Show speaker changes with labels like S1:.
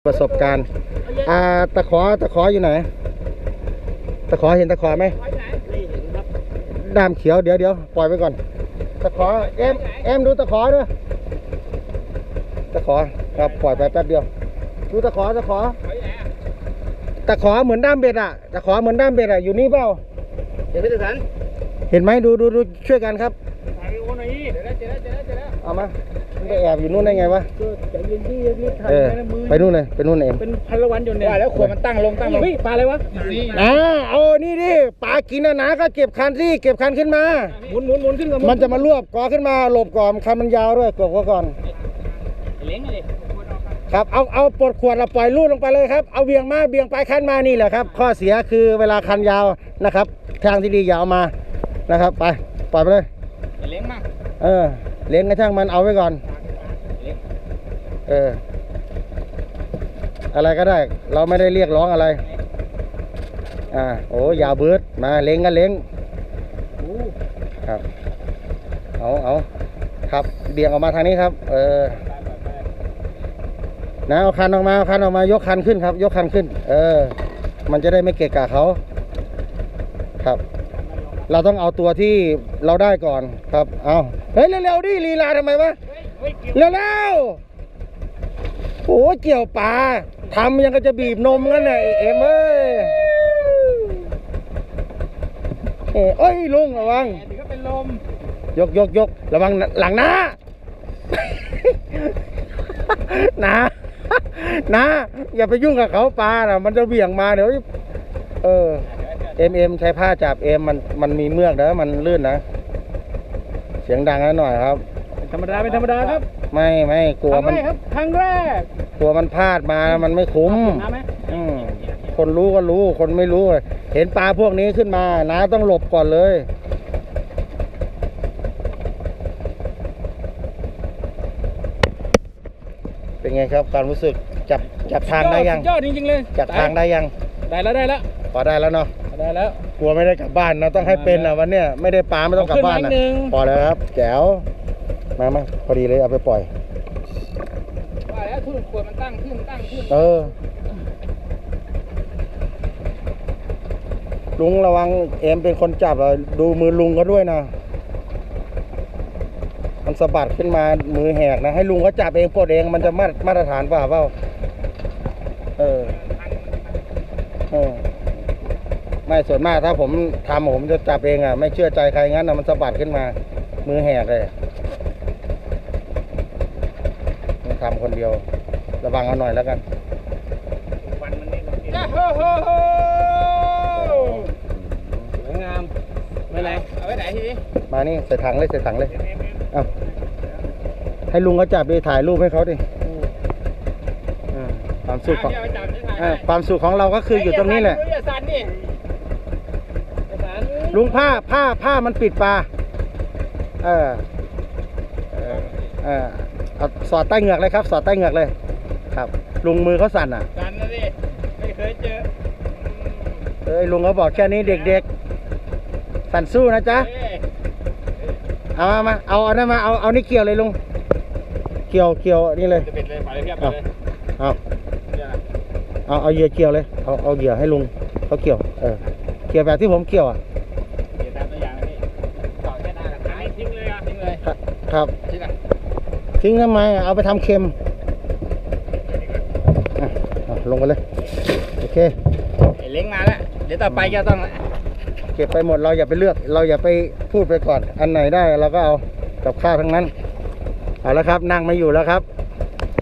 S1: ประสบการณ์ตะขออยู่ไหนตะขอเห็นตะขอไหมด้ามเขียวเดี๋ยวปล่อยไปก่อนตะขอเอ็มดูตะขอด้วยตะขอครับปล่อยไปแป๊บเดียวดูตะขอเหมือนด้ามเบ็ดตะขอเหมือนด้ามเบ็ดอยู่นี่เปล่าเห็นไหมตะสันเห็นไหมดูช่วยกันครับถ่ายคนไหนเดี๋ยวเอามาไปแอบอยู่นู่นได้ไงวะไปนู่นเลยเอ็ม
S2: เป็นพันละวันอยู่เนี่ยแล้วขวดมันตั้งลงเฮ้ยปลาอะไรวะ
S1: เอานี่ดิปลากินนะก็เก็บคันขึ้นมา
S2: หมุนขึ้นก่อน
S1: มันจะมารวบกอขึ้นมาหลบก่อนคันมันยาวด้วยกบก่อน
S2: เลี้ยงเลย
S1: ครับเอาปลดขวดเราปล่อยลูดลงไปเลยครับเอาเบี่ยงไปคันมานี่แหละครับข้อเสียคือเวลาคันยาวนะครับทางที่ดียาวมานะครับไปปล่อยไปเลย
S2: เลี้ยงมาก
S1: เลี้ยงกระช่างมันเอาไว้ก่อนอะไรก็ได้เราไม่ได้เรียกร้องอะไรโอ้ยาวเบิดมาเล้งกันเล้งครับเอาครับเบี่ยงออกมาทางนี้ครับนะเอาคันออกมายกคันขึ้นครับยกคันขึ้นมันจะได้ไม่เกะกะเขาครับเราต้องเอาตัวที่เราได้ก่อนครับเอาเฮ้ยเร็วๆดิลีลาทำไมวะเร็วโอ้เกี่ยวปลาทำยังก็จะบีบนมงั้นน่ะเอ็มเอ้ยลุงระวัง
S2: ถึงก็เป็นลม
S1: ยกระวังหลังนะนะอย่าไปยุ่งกับเขาปลาน่ะมันจะเบี่ยงมาเดี๋ยวเอ็มใช้ผ้าจับมันมีเมือกนะมันลื่นนะเสียงดังนิดหน่อยครับ
S2: ธรรมดาเป็นธรรมดาครับ
S1: ไม่กลัวมัน
S2: ครับครั้งแรก
S1: กลัวมันพลาดมามันไม่คุ้มคนรู้ก็รู้คนไม่รู้เห็นปลาพวกนี้ขึ้นมาน้าต้องหลบก่อนเลยเป็นไงครับความรู้สึกจับทางได้ยัง
S2: ยอดจริงๆเลย
S1: จับทางได้ยัง
S2: ได้แล้ว
S1: พอได้แล้วเนาะ
S2: ได้แล้ว
S1: กลัวไม่ได้กลับบ้านนะต้องให้เป็นวันเนี้ยไม่ได้ปลาไม่ต้องกลับบ้านนะพอแล้วครับแจ๋วมาพอดีเลยเอาไปปล่อย
S2: ว่าแล้วทุ่นขวดมันตั้งขึ้น
S1: ลุงระวังเอ็มเป็นคนจับดูมือลุงเขาด้วยนะมันสะบัดขึ้นมามือแหกนะให้ลุงเขาจับเองปลดเองมันจะมาตรฐานเปล่าไม่ส่วนมากถ้าผมจะจับเองไม่เชื่อใจใครงั้นมันสะบัดขึ้นมามือแหกเลยทำคนเดียวระวังเอาหน่อยแล้วกัน
S2: วันมันนี่สวยงามไม่ไรเอาไว้ไหนทีนี้
S1: มานี่ใส่ถังเลยเอาให้ลุงเขาจับไปถ่ายรูปให้เขาดิความสุขของเราก็คืออยู่ตรงนี้แหละลุงผ้ามันปิดปลาเอาสอดใต้เหงือกเลยครับสอดใต้เหงือกเลยครับลุงมือเขาสั่น
S2: สั่นนะดิไม่เคยเจอ
S1: ลุงเขาบอกแค่นี้เด็กๆสั่นสู้นะจ๊ะเอามาเอาอันนั้นมาเอานี่เกี่ยวเลยลุงเกี่ยวนี่เลย
S2: จะเป็นเลยไปเลยครับ
S1: เอาเหยื่อเกี่ยวเลยเอาเหยื่อให้ลุงเขาเกี่ยวเกี่ยวแบบที่ผมเกี่ยว
S2: เกี่ยวตามตัวอย่างนี่ต่อแค่หน้ากับท้ายทิ้งเลย
S1: ครับทิ้งทำไมเอาไปทำเค็มลงไปเลยโอเค
S2: เล้งมาแล้วเดี๋ยวต่อไปจะต้อง
S1: เก็บไปหมดเราอย่าไปเลือกเราอย่าไปพูดไปก่อนอันไหนได้เราก็เอากับข้าวทั้งนั้นเอาแล้วครับนั่งไม่อยู่แล้วครับ